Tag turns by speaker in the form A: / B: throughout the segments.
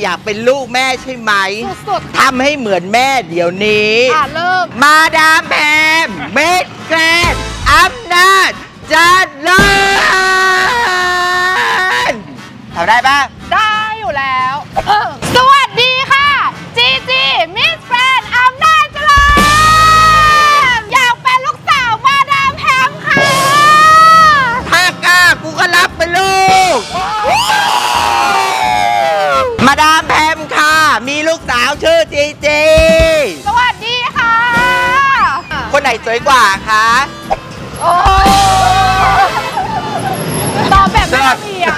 A: อยากเป็นลูกแม่ใช่ไหม
B: สุด
A: ทำให้เหมือนแม่เดี๋ยวนี้
B: เริ่ม
A: มาดามแพมเมดแกรนด์อำนาจเจัดเลยทำได้ปะ
B: ได้อยู่แล้ว สวัสดีค่ะ จีจีมิสแกรนด์อำนาจเจริญอยากเป็นลูกสาวมาดามแพมค่ะ
A: ถ้ากล้ากูก็รับเป็นลูก มาดามแพมค่ะ มีลูกสาวชื่อจีจี
B: สวัสดีค่ะ
A: คนไหนสวยกว่าคะ
B: โอ้ตอบแบบไม่ละเอียด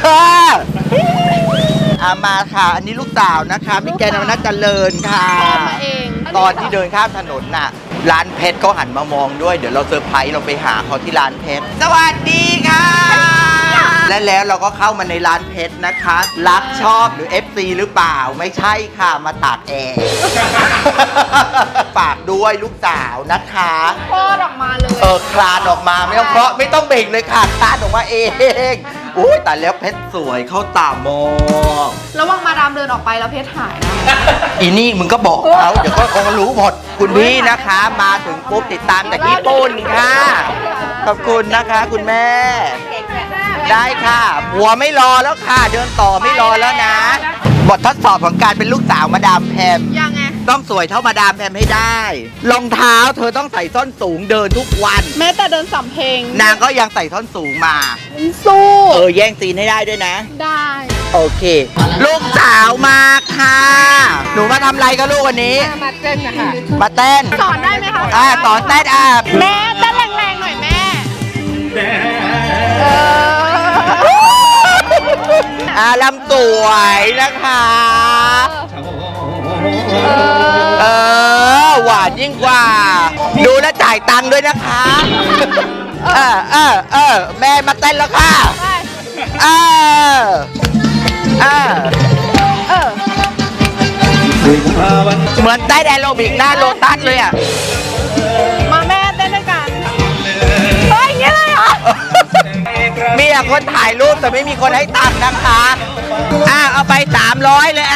A: มาค่ะ อันนี้ลูกสาวนะคะพี่แกนวนัทเจริญค่ะ
B: ตอบมาเอง
A: ตอนที่เดินข้ามถนนน่ะ ร้านเพชรเขาหันมามองด้วย เดี๋ยวเราเซอร์ไพรส์เราไปหาเขาที่ร้านเพชร สวัสดีค่ะ และแล้วเราก็เข้ามาในร้านเพชรนะคะ รักชอบหรือ FC หรือเปล่า ไม่ใช่ค่ะ มาตากแอร์ ฝากด้วยลูกสาวนะคะ
B: คลอดออกมาเลย
A: คลานออกมาไม่ต้องเคาะไม่ต้องเบ่งเลยค่ะคลานออกมาเองอุ้ยแต่แล้วเพชรสวยเข้าตามอง
B: ระวังมาดามเดินออกไปแล้วเพชรหายนะ
A: อีนี่มึงก็บอกเขาเดี๋ยวก็คงรู้หมดคุณพี่นะคะ มาถึงปุ๊บติดตามจากญี่ปุ่นค่ะ ขอบคุณนะคะคุณแม่ ได้ค่ะหัวไม่รอแล้วค่ะ เดินต่อไม่รอแล้วนะ บททดสอบของการเป็นลูกสาวมาดามแพม
B: ยังไง
A: ต้องสวยเท่ามาดามแพมให้ได้รองเท้าเธอต้องใส่ส้นสูงเดินทุกวัน
B: แม้แต่เดินสำเพลง
A: นางก็ยังใส่ส้นสูงมา
B: สู้
A: แย่งซีนให้ได้ด้วยนะ
B: ได้
A: โอเค ลูกสาวมาค่ะ หนูมาทำอะไรกับลูกวันนี้
B: มาเต้นนะคะ
A: มาเต้น
B: สอนได้ไหมคะ
A: สอนเต้น
B: แม่เต้นแรงๆหน่อยแม่
A: ลำสวยนะคะหวานยิ่งกว่า ดูแลวจ่ายตังค์ด้วยนะคะแม่มาเต้นแล้วค่ะเหมือนได้แอโรบิกหน้าโลตัสเลยอ่ะ
B: มาแม่เต้นด้วยกันเฮ้ยอย่างเงี้ยเลยเหรอ
A: มีแต่คนถ่ายรูปแต่ไม่มีคนให้ตังค์นะคะเอาไป300เลย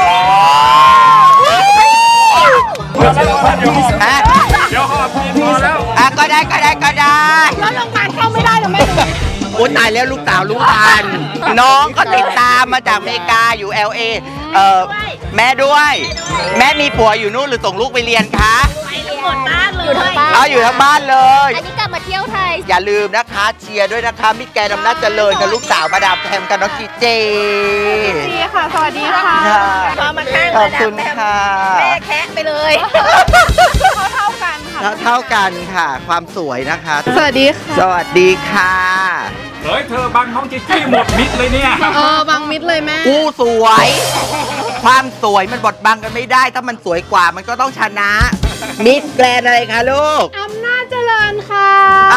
C: เดี๋ยวขอบคุณพอแล้ว
A: ก็ได้
B: แล้วโรงพยาบาลเข้าไม่ได้หรอแม่
A: โอ้ตายแล้วลูกสาวรู้ทันน้องก็ติดตามมาจากอเมริกาอยู่ LA แม่ด้วย แม่มีผัวอยู่นู่นหรือส่งลูกไปเรียนคะ
D: ทั้งหมดบ้านเลย
A: อยู่ทั้งบ้านเลย
D: อันนี้กลับมาเที่ยวไทย
A: อย่าลืมนะคะเชียร์ด้วยนะคะมิตรแกนอำนาจเจริญกับลูกสาวมาดามแพมกับน้องจีเจ
B: ดีค่ะ สวัสดีค่ะ
D: พอมาข้าง
A: ขอบคุณค่ะ
D: แม่แคะไปเลย
B: เท่ากันค่ะ
A: เท่ากันค่ะ ความสวยนะคะ
B: สวัสดีค่ะ
A: สวัสดีค่ะ
C: เฮ้ยเธอบังน้องจิ๊จี้หมดมิดเลยเนี่ย
B: บังมิดเลยแม่
A: กู้สวย ความสวยมันบดบังกันไม่ได้ ถ้ามันสวยกว่ามันก็ต้องชนะ มิสแกรนด์อะไรคะลูก
B: อำนาจเจริญค่ะ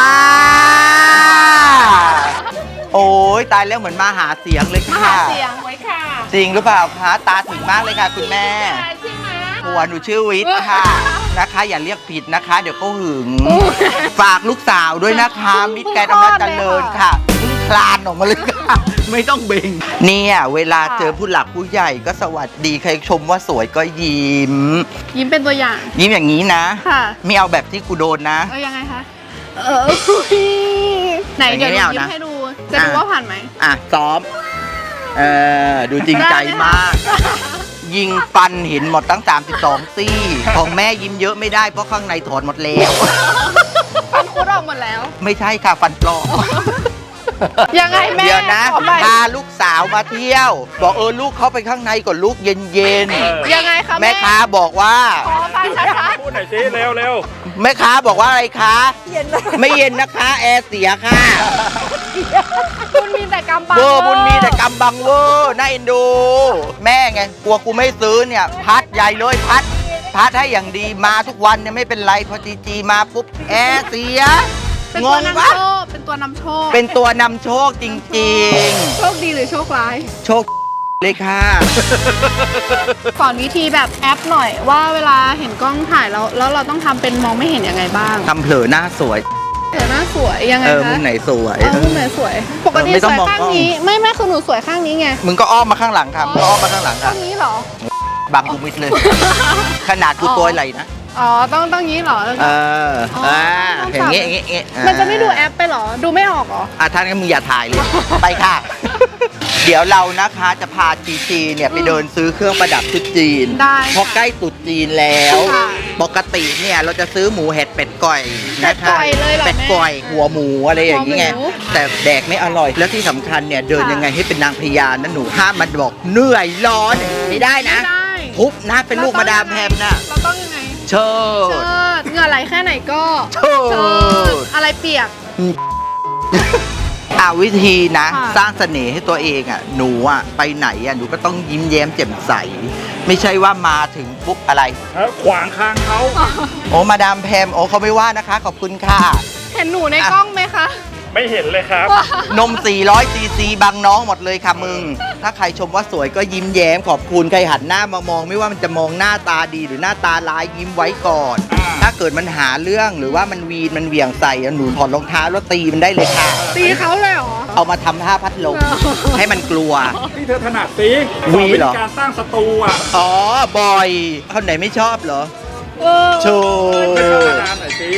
A: โอ้ยตายแล้วเหมือนมาหาเสียงเลยค่ะ
B: เสียงไว้ค่ะ
A: จริงหรือเปล่าคะตาถึงมากเลยค่ะคุณแม่
B: ใช่ไหม
A: ผัวหนูชื่อวิทย์ค่ะนะคะ อย่าเรียกผิดนะคะ เดี๋ยวเขาหึง ฝากลูกสาวด้วยนะคะ มิตรแกนอำนาจเจริญค่ะเพิ่งคลานออกมาเลยค่ะ ไม่ต้องเบ่งเนี่ยเวลาเจอผู้หลักผู้ใหญ่ก็สวัสดีใครชมว่าสวยก็ยิ้ม
B: ยิ้มเป็นตัวอย่าง
A: ยิ้มอย่างนี้นะ
B: ค่ะ
A: ไม่เอาแบบที่กูโดนนะ
B: ยังไงคะไหนเดี๋ยวหนูยิ้มให้ดู จะดูว่าผ่านไหม
A: ซ้อมดูจริงใจมาก ยิงฟันเห็นหมดตั้ง32ซี่ของแม่ยิ้มเยอะไม่ได้เพราะข้างในถอนหมดแล้ว
B: ฟันคุดออกหมดแล้ว
A: ไม่ใช่ค่ะฟันปลอม
B: ยังไงแม่
A: เดี๋ยวนะ
B: ขอใหม่
A: พาลูกสาวมาเที่ยว บอกลูกเข้าไปข้างในก่อนลูกเย็น
B: ยังไงคะ
A: ๆแม่ค้าบอกว่า
B: ขอฟังชัด
C: พูดหน่อยสิเร็วเร็ว
A: แม่ค้าบอกว่าอะไรคะไม่เย็นนะคะแอร์เสียค่ะ
B: ๆคุณมีแต่กำบัง
A: เวอร์บุญมีแต่กำบังเวอร์น่าเอ็นดู แม่ไงกลัวกูไม่ซื้อเนี่ย พัดใหญ่เลยพัดให้อย่างดีมาทุกวันเนี่ยไม่เป็นไรพอจีมาปุ๊บแอร์เสีย
B: เป็น
A: ง
B: ตัวน
A: งปะ
B: ำโชค เป็นตัวนำโชค
A: เป็นตัวนำโชคจริง
B: โชคดีหรือโชคร้าย
A: ๆ โชคเลยค่ะ
B: สอนวิธีแบบแอปหน่อยว่าเวลาเห็นกล้องถ่ายแล้วเราต้องทำเป็นมองไม่เห็นยังไงบ้าง
A: ทำเผลอหน้าสวย
B: เธอหน้าสวยยังไงคะ
A: มึงไหนสวย
B: มุมไหนสวย ปกติ
A: ไม่
B: ส
A: ต้อง
B: วย
A: มอง
B: ข้าง
A: กล้อง
B: นี้ ไม่คือหนูสวยข้างนี้ไง
A: มึงก็อ้อมมาข้างหลังครับก็อ้อมมาข้างหลังค
B: ข้า
A: รับ
B: งนี้เหรอ
A: บังกูมิดเลย ขนาดกูตัวไหลนะ
B: อ๋อ ต้องงี้เหรอ
A: อย่างงี้อย่างงี้อย่างงี้
B: มันจะไม่ดูแอปไปเหรอ ดูไม่ออกเหรอ
A: ท่านก็มึงอย่าถ่ายเลย ไปค่ะ เดี๋ยวเรานะคะจะพาจีเนี่ยไปเดินซื้อเครื่องประดับชุดจีน
B: ได้ค่ะ
A: เพราะใกล้ตรุษจีนแล้ว
B: ค่ะ
A: ปกติเนี่ยเราจะซื้อหมูเห็ดเป็ดก่อยนะคะ
B: เป็ดก่อยเลยเหรอ
A: เป็ดก่อย
B: แม่
A: หัวหมูอะไรอย่างเงี้ย
B: หัวหมู
A: แต่แดกไม่อร่อย แล้วที่สำคัญเนี่ยเดิน
B: ค่ะ
A: ยังไงให้เป็นนางพญานะหนูห้ามมันบอกเหนื่อยร้อนไม่ได้นะ
B: ไม่ได้
A: ทุบนะเป็นลูกมาดามแพมนะ
B: เราต้องยังไง
A: เชิด
B: เชิดเหงื่อไหลแค่ไหนก็
A: เชิด
B: อะไรเปียก
A: วิธีนะ
B: ค่ะ
A: สร้างเสน่ห์ให้ตัวเองหนูไปไหนหนูก็ต้องยิ้มแย้มแจ่มใส ไม่ใช่ว่ามาถึงปุ๊บอะไร
C: ขวางคางเขา
A: โอ้มาดามแพมโอ้เขาไม่ว่านะคะ ขอบคุณค่ะ
B: เห็นหนูในกล้องไหมคะ
C: ไม่เห็นเลยครับ
A: นม 400 ซีซีบังน้องหมดเลยค่ะมึง ถ้าใครชมว่าสวยก็ยิ้มแย้มขอบคุณใครหันหน้ามามอง ไม่ว่ามันจะมองหน้าตาดีหรือหน้าตาร้ายยิ้มไว้ก่อน ถ้าเกิดมันหาเรื่องหรือว่ามันวีนมันเหวี่ยงใส่หนูถอดรองเท้าแล้วตีมันได้เลยค่ะ
B: ตีเขาเลยเหรอ
A: เอามาทำท่าพัดลมให้มันกลัว
C: ที่เธอถนัดสิ
A: วีเหรอ
C: วิธีการสร้างศัตรูอ่ะ
A: อ๋อบอยคนไหนไม่ชอบเหรอ
B: เออ
A: โชว์
C: ไปเข้ามาดามหน่อยสิ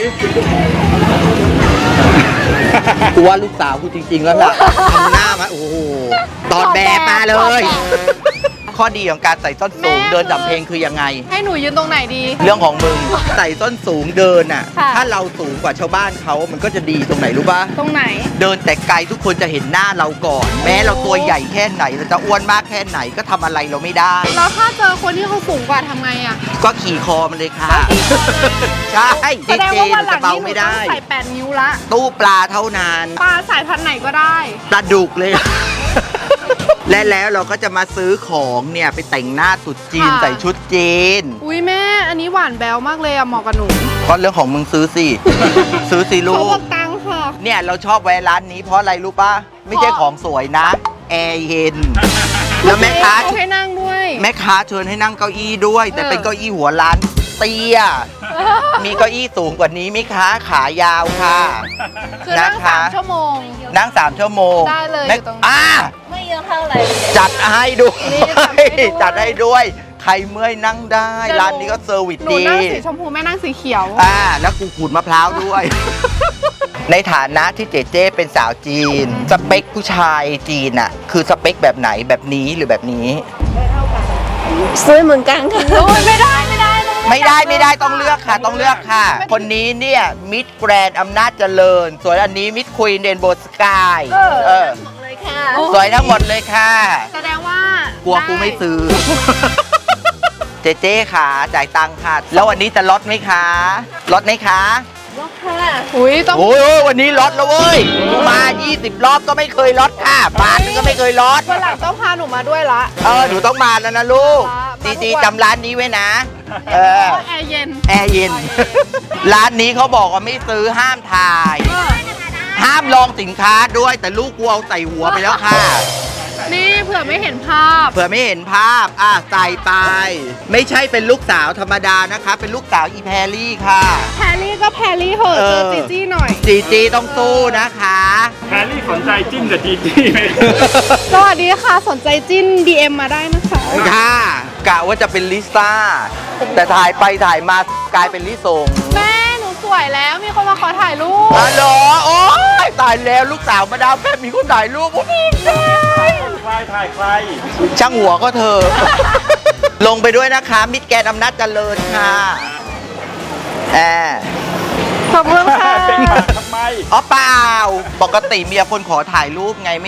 A: กูว่าลูกสาวกูจริง ๆ แล้วล่ะทำหน้ามาโอ้โหตอดแบบมาเลย ข้อดีของการใส่ส้นสูงเดินดับเพลงคือยังไง
B: ให้หนูยืนตรงไหนดี
A: เรื่องของมึงใส่ส้นสูงเดินอ่ะ
B: ค่ะ
A: ถ้าเราสูงกว่าชาวบ้านเขามันก็จะดีตรงไหนรู้ปะ
B: ตรงไหน
A: เดินแต่ไกลทุกคนจะเห็นหน้าเราก่อน แม้เราตัวใหญ่แค่ไหนเราจะอ้วนมากแค่ไหนก็ทำอะไรเราไม่ได้
B: แล้วถ้าเจอคนที่เขาสูงกว่าทำไงอ่ะ
A: ก็ขี่คอมันเลยค่ะ ใช่
B: แสดงว่าวันหลัง
A: เบา
B: นี้หนู
A: ไม่
B: ต้อ
A: ได้
B: งใส่ 8 นิ้วละ
A: ตู้ปลาเท่านั้น
B: ปลาสายพันธุ์ไหนก็ได้
A: ปลาดุกเลย และแล้วเราก็จะมาซื้อของเนี่ยไปแต่งหน้าตรุษจีน
B: ค่ะ
A: ใส่ชุดจีน
B: อุ้ยแม่ อันนี้หวานแบวมากเลยอะเหมาะกับหนู
A: ก็เรื่องของมึงซื้อสิ ซื้อสิลู
B: เขาบ
A: ก
B: อกตังค์ค่ะ
A: เนี่ยเราชอบแวะร้านนี้เพราะอะไรรู้ป่ะ ไม่ใช่ของสวยนะ แอร์เย็น แล้วแม่ค้า
B: เขาให้นั่งด้วย
A: แม่ค้าเชิญให้นั่งเก้าอี้ด้วย แต่เป็นเก้าอี้หัวร้านเตี้ย มีเก้าอี้สูงกว่านี้ไหมคะขายาวค่ะ
B: คือนั่ง
A: นะคะ
B: 3 ชั่วโมง
A: นั่ง3 ชั่วโมง
B: ได้เลย
A: แม่
B: อยู่ตรงนั้น
D: ไม่เยอะเท่าไหร่
A: จัดให้ด้วย
B: นี่จัดให้ด้วย
A: จัดให้ด้วย ใครเมื่อยนั่งได้ ร้านนี้ก็เซอร์วิส
B: หนู
A: ดี
B: นั่งสีชมพูแม่นั่งสีเขียว
A: แล้วกูขูดมะพร้าวด้วย ในฐานะที่เจเจเป็นสาวจีน สเปคผู้ชายจีนอะคือสเปคแบบไหนแบบนี้หรือแบบนี้
D: ซื้อเหมือนกันค่ะ
B: โอ้ยไม่ได้
A: ไม่ได้ต้องเลือกค่ะต้องเลือกค่ะ คนนี้เนี่ยมิดแกรนด์อำนาจเจริญ ส่วนอันนี้มิดควีนเดนโบสกายเออ
D: เลยค่ะ
A: สวยทั้งหมดเลยค่ะ
B: แสดงว่าก
A: ลัวกูไม่ซื้อ เจเจค่ะจ่ายตังค่ะ แล้ววันนี้จะลดไหมคะลดไหมคะ
D: รถค่ะ
B: อุ้ยต้อง
A: โอ้ยวันนี้ลดแล้วเว้ยกูมา 20 รอบก็ไม่เคยลดค่ะบาทนึงก็ไม่เคยลด
B: วันหลังต้องพาหนูมาด้วยละ
A: หนูต้องมาแล้วนะลูก
B: มาทุกวัน
A: จีจำร้านนี้ไว้นะ
B: เพราะแอร์เย็น
A: แอร์เย็น ร้านนี้เขาบอกว่าไม่ซื้อห้ามถ่าย ห้ามลองสินค้าด้วยแต่ลูกกูเอาใส่หัวไปแล้วค่ะ
B: นี่เผื่อไม่เห็นภาพ
A: เผื่อไม่เห็นภาพใส่ไป ไม่ใช่เป็นลูกสาวธรรมดานะคะ เป็นลูกสาวอีแพรลี่ค่ะ
B: แพรรี่ก็แพรรี่เหอะ
A: เอ
B: เจ
A: อ
B: อจีจี้หน่อย
A: จีต้องสู้นะคะ
C: แฮร์รี่สนใจจิ้มกับจีจี้ไหม
B: สวัสดีค่ะ สนใจจิ้น DM มาได้นะคะ
A: ค่ะกะว่าจะเป็นลิซ่า แต่ถ่ายไปถ่ายมากลายเป็นลิซง
B: แม่หนูสวยแล้วมีคนมาขอถ่ายรูป
A: ฮัลโหลโอ้ยตายแล้วลูกสาวมาดามแป๊บมีคนถ่ายรูปโอ้ย
C: ใครถ่ายใคร
A: ช่างหัวก็เธอ ลงไปด้วยนะคะ มิตรแกนอำนาจเจริญค่ะแอบ
B: ขอบคุณค่ะ
C: เป็นปากทำไม
A: อ๋อเปล่า ปกติเมียคนขอถ่ายรูปไงไม่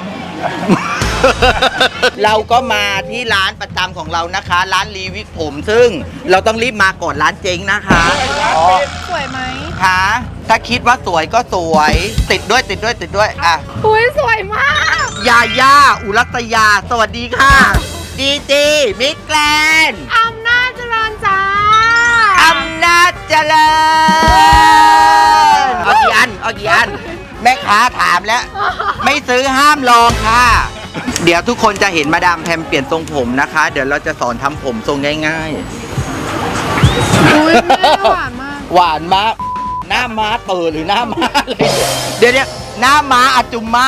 A: เราก็มาที่ร้านประจำของเรานะคะ ร้านรีวิกผม ซึ่งเราต้องรีบมาก่อนร้านเจ๊งนะคะอ๋อ
B: สวยไหม
A: ค่ะถ้าคิดว่าสวยก็สวย ติดด้วยอ่ะ
B: อุ้ยสวยมาก
A: ยาย่าอุรัตยา สวัสดีค่ะจีจีมิตรแกรนด์
B: อำนาจเจริญจ้า
A: อำนาจเจริญเอากี่อัน แม่ค้าถามแล้ว ไม่ซื้อห้ามลองค่ะ เดี๋ยวทุกคนจะเห็นมาดามแพมเปลี่ยนทรงผมนะคะ เดี๋ยวเราจะสอนทำผมทรงง่าย
B: อุ้ยแม่หวานมาก
A: ๆ หวานมากหน้าม้าเปิดหรือหน้าม้าอะไรเดี๋ยวหน้าม้าอาจุมมา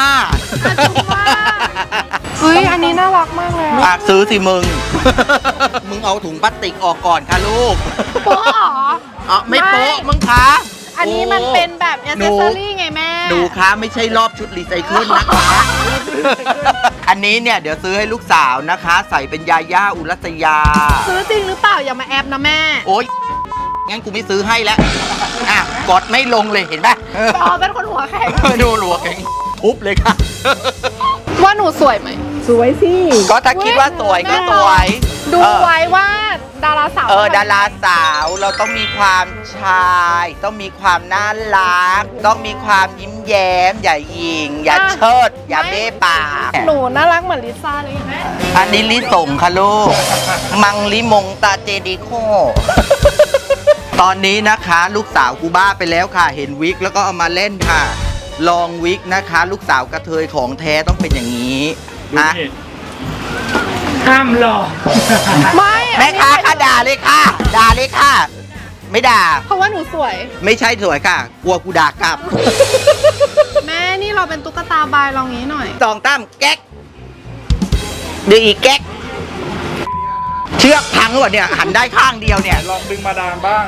B: เฮ้ยอันนี้น่ารักมากเลยอะ
A: ฝากซื้อสิมึง มึงเอาถุงพลาสติกออกก่อนค่ะลูก
B: โป๊ะเหรอ
A: อ๋อไม่โป๊ะมึงคะ
B: อันนี้มันเป็นแบบแอ c เซสซอรี่ไงแม่
A: หนูคะไม่ใช่รอบชุดรีไซเคิลนะคะ อันนี้เนี่ยเดี๋ยวซื้อให้ลูกสาวนะคะ ใส่เป็นยาย่าอุรัสยา
B: ซื้อจริงหรือเปล่าอย่ามาแอบนะแม่
A: โอ๊ยงั้นกูไม่ซื้อให้แล้วอ่ะกดไม่ลงเลยเห็นปะ
B: อ๋อเป็นคนหัวแข็ง
A: ดูหลวกเองทุบเลยค่ะ
B: ว่าหนูสวยไหม
D: สวยสิ
A: ก็ถ้าคิดว่าสวยก็สวย
B: ดูไว้ว่าดาราสาว
A: ดาราสาวเราต้องมีความชาย ต้องมีความน่ารัก ต้องมีความยิ้มแย้ม อย่าหยิง อย่าเชิด อย่าเบ้ปาก
B: หนูน่ารักเหมือนลิซ่าเลยแม่
A: อันนี้ลิส่งค่ะลูก มังลิมงตาเจดีโค ตอนนี้นะคะลูกสาวกูบ้าไปแล้วค่ะ เห็นวิกแล้วก็เอามาเล่นค่ะ ลองวิกนะคะ ลูกสาวกระเทยของแท้ต้องเป็นอย่างนี้
C: ดู
A: นะ
C: นี่ห้ามหลอก
B: ไม่
A: แม่ค้าค่ะด่าเลยค่ะ ด่าเลยค่ะ ไม่ด่า
B: เพราะว่าหนูสวย
A: ไม่ใช่สวยค่ะ กลัวกูด่ากลับ
B: แม่นี่เราเป็นตุ๊กตาบายลองงี้หน่อย
A: สองตั้มแก๊กดึงอีกแก๊กเชือกพังหรือเปล่าเนี่ย หันได้ข้างเดียวเนี่ย
C: ลองดึงมาดามบ้าง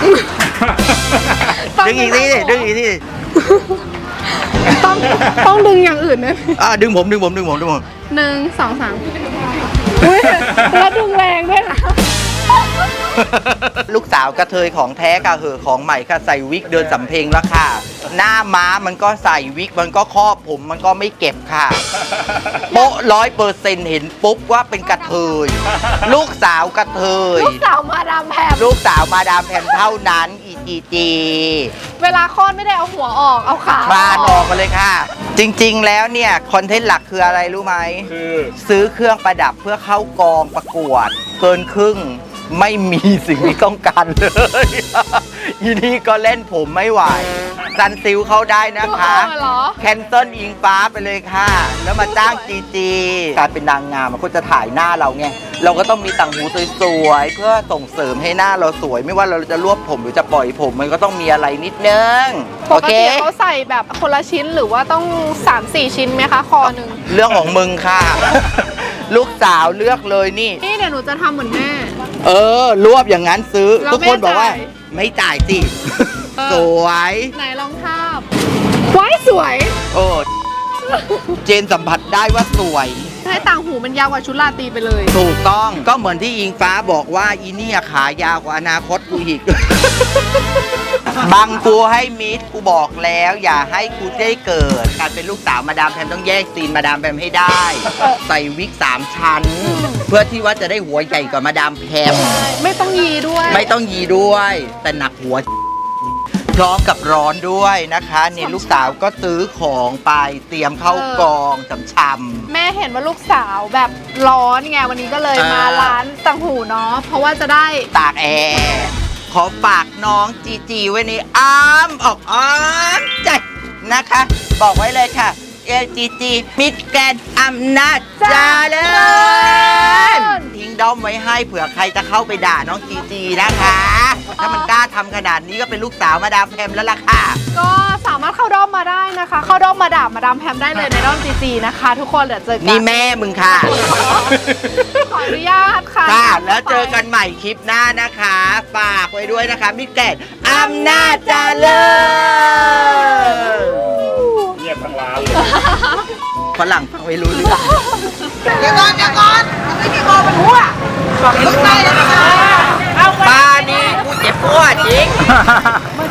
A: ดึงอีกทีดิดึงอีกทีดิ
B: ต้องดึงอย่างอื่นนะ
A: ดึงผม
B: 1 2 3อุ้ยแล้วดึงแรงด้วยนะ
A: ลูกสาวกระเทยของแท้ค่ะเหอะของใหม่ค่ะใส่วิกเดินสำเพ็งแล้วค่ะ หน้าม้ามันก็ใส่วิกมันก็ครอบผมมันก็ไม่เก็บค่ะ โป๊ะ100%เห็นปุ๊บว่าเป็นกระเทย ลูกสาวกระเทย
B: ลูกสาวมาดามแพม
A: ลูกสาวมาดามแพมเท่านั้นอีจี
B: เวลาคลอดไม่ได้เอาหัวออกเอาขา
A: คลานออกมาเลยค่ะ จริงๆแล้วเนี่ยคอนเทนต์หลักคืออะไรรู้ไหม
C: คือ
A: ซื้อเครื่องประดับเพื่อเข้ากองประกวด เกินครึ่งไม่มีสิ่งที่ต้องการเลย ยีนี่ก็เล่นผมไม่ไหวซันซิลเข้าได้นะคะ
B: เหรอ
A: แคนเซิลอิงฟ้าไปเลยค่ะ แล้วมาจ้างจีการเป็นนางงามมันก็จะถ่ายหน้าเราไงเราก็ต้องมีต่างหูสวยๆเพื่อส่งเสริมให้หน้าเราสวย ไม่ว่าเราจะรวบผมหรือจะปล่อยผมมันก็ต้องมีอะไรนิดนึง
B: ปกติเขาใส่แบบคนละชิ้นหรือว่าต้อง 3-4 ชิ้นไหมคะคอหนึ่ง
A: เรื่องของมึงค่ะ ลูกสาวเลือกเลยนี่
B: นี่เดี๋ยวหนูจะทำเหมือนแม่
A: รวบอย่างนั้นซื้อ
B: แล้ว
A: ทุกคนบอกว่า
B: ไม่จ่าย
A: ไม่จ่ายสิ
B: เออ
A: สวย
B: ไหนลองทาบไว้สวย
A: โอ้เจนสัมผัสได้ว่าสวย
B: ให้ต่างหูมันยาวกว่าชุดราตรีไปเลย
A: ถูกต้องก็เหมือนที่อิงฟ้าบอกว่าอีเนี่ยขายาวกว่าอนาคตกูอีก บังกูให้มิดกูบอกแล้ว อย่าให้กูได้เกิด การเป็นลูกสาวมาดามแพมต้องแยกซีนมาดามแพมให้ได้ ใส่วิก3 ชั้น เพื่อที่ว่าจะได้หัวใหญ่กว่ามาดามแพม
B: ไม่ต้องยีด้วย
A: ไม่ต้องยีด้วย แต่หนักหัว พร้อมกับร้อนด้วยนะคะนี่ลูกสาวก็ซื้อของไปเตรียมเข้ากองช่ำ
B: แม่เห็นว่าลูกสาวแบบร้อนไงวันนี้ก็เลยมาร้านต่างหูเนาะเพราะว่าจะได้
A: ๆตากแอร์ขอฝากน้องจีไว้ในอ้อมอกอ้อมใจนะคะ บอกไว้เลยค่ะจีมิดแกรนด์อำนาจเจริญทิ้งด้อมไว้ให้เผื่อใครจะเข้าไปด่าน้องจีนะคะ ถ้ามันกล้าทำขนาดนี้ก็เป็นลูกสาวมาดามแพมแล้วล่ะค่ะ
B: ก็สามารถเข้าด้อมมาได้นะคะ เข้าด้อมมาด่ามาดามแพมได้เลยในด้อมจีนะคะ ทุกคนเดี๋ยวเจอกั
A: นี่แม่มึงค่ะ
B: ขออนุญาตค่ะ
A: ค่ะ แล้วเจอกันใหม่คลิปหน้านะคะ ฝากไว้ด้วยนะคะมิดแกรนด์อำนาจเจริญ
C: เงียบทั้งร้านเลย
A: ฝรั่งฟังไม่รู้เรื่อง
B: เดี๋ยวก่อนไม่มีคอเป็นหัวลุกไปเลยนะคะ
A: ป้านี่กูเจ็บปวดจริง